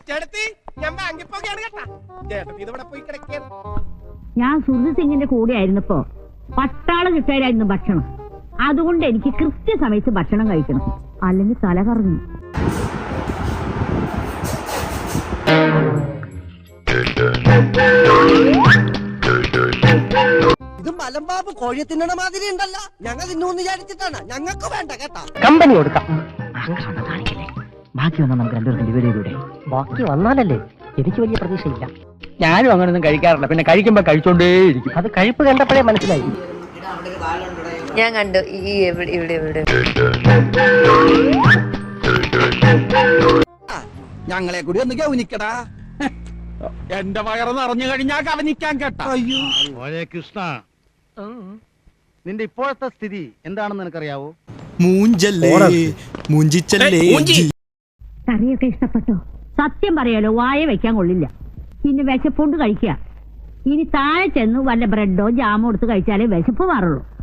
ഞാൻ സുഹൃത്ത് സിംഗിന്റെ കൂടെ ആയിരുന്നപ്പോ പട്ടാളം കിട്ടായിരുന്നു ഭക്ഷണം. അതുകൊണ്ട് എനിക്ക് കൃത്യസമയത്ത് ഭക്ഷണം കഴിക്കണം, അല്ലെങ്കിൽ തല കറങ്ങും. ഇത് മലമ്പാമ്പ് കോഴി തിന്നണ മാതിരി ഉണ്ടല്ല. ഞങ്ങൾ തിന്നൂന്ന് വിചാരിച്ചിട്ടാണ്. ഞങ്ങൾക്ക് വേണ്ട കേട്ടാ. കമ്പനി കൊടുക്കാം. ബാക്കി വന്നാൽ നമുക്ക് രണ്ടുപേർക്കും ഡിവൈഡ് ചെയ്തൂടെ? ബാക്കി വന്നാലല്ലേ? എനിക്ക് വലിയ പ്രതീക്ഷയില്ല. ഞാനും അങ്ങനൊന്നും കഴിക്കാറില്ല. പിന്നെ കഴിക്കുമ്പോ കഴിച്ചോണ്ടേയിരിക്കും. അത് കഴിപ്പ് കണ്ടപ്പോഴേ മനസ്സിലായി. ഞാൻ കണ്ടു ഇവിടെ ഇവിടെ ഞങ്ങളെ കൂടി ഒന്ന് ഗൗനിക്കടാ. എന്റെ വയറ് നിറഞ്ഞു കഴിഞ്ഞാൽ കവനിക്കാൻ കേട്ടാ. കൃഷ്ണ, നിന്റെ ഇപ്പോഴത്തെ സ്ഥിതി എന്താണെന്ന് നിനക്കറിയാവോ? കറിയൊക്കെ ഇഷ്ടപ്പെട്ടോ? സത്യം പറയാലോ, വായ വെക്കാൻ കൊള്ളില്ല. പിന്നെ വിശപ്പുണ്ട് കഴിക്കുക. ഇനി താഴെ ചെന്ന് വല്ല ബ്രെഡോ ജാമോ എടുത്ത് കഴിച്ചാലേ വിശപ്പ് മാറുള്ളൂ.